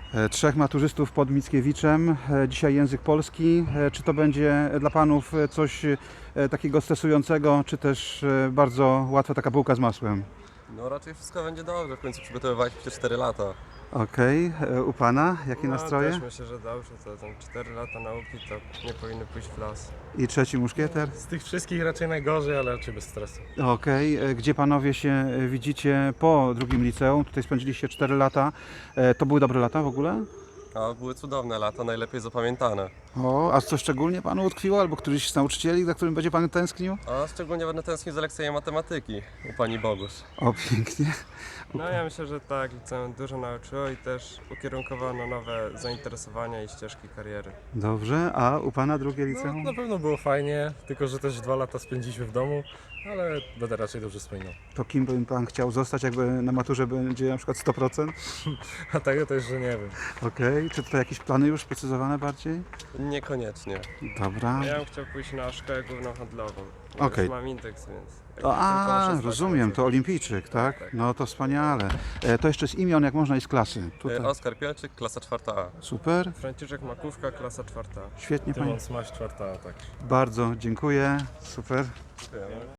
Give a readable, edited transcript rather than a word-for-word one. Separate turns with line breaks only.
Trzech maturzystów pod Mickiewiczem. Dzisiaj język polski. Czy to będzie dla Panów coś takiego stresującego, czy też bardzo łatwa taka bułka z masłem?
No raczej wszystko będzie dobrze, w końcu przygotowywaliśmy się 4 lata.
Okej. U Pana jakie nastroje?
Też myślę, że dobrze, to tam 4 lata nauki to nie powinny pójść w las.
I trzeci muszkieter?
Z tych wszystkich raczej najgorzej, ale raczej bez stresu.
Okej. Gdzie Panowie się widzicie po drugim liceum? Tutaj spędziliście 4 lata. To były dobre lata w ogóle?
A były cudowne lata, najlepiej zapamiętane.
O, a co szczególnie Panu utkwiło? Albo któryś z nauczycieli, za którym będzie Pan tęsknił?
A szczególnie będę tęsknił za lekcjami matematyki u pani Bogusz.
O, pięknie.
No ja myślę, że tak, liceum dużo nauczyło i też ukierunkowało na nowe zainteresowania i ścieżki kariery.
Dobrze. A u Pana drugie
No,
liceum?
na pewno było fajnie, tylko że też 2 lata spędziliśmy w domu, ale będę raczej dobrze wspominał.
To kim by Pan chciał zostać, jakby na maturze będzie na przykład 100%?
A tego to jeszcze nie wiem.
Okej. Czy tutaj jakieś plany już sprecyzowane bardziej?
Niekoniecznie.
Dobra.
Ja bym chciał pójść na szkołę główną handlową.
Okej.
Już mam indeks, więc...
O,
tylko muszę zdać
rozumiem,
końcówkę.
to olimpijczyk, tak?
Tak.
No to wspaniale. To jeszcze z imion, jak można, i z klasy. Tutaj.
Oskar Pielczyk, klasa 4A.
Super,
Franciszek Makówka, klasa 4.
świetnie Panie.
Tymon Smaś, 4. tak.
Bardzo dziękuję, super.
Dziękujemy.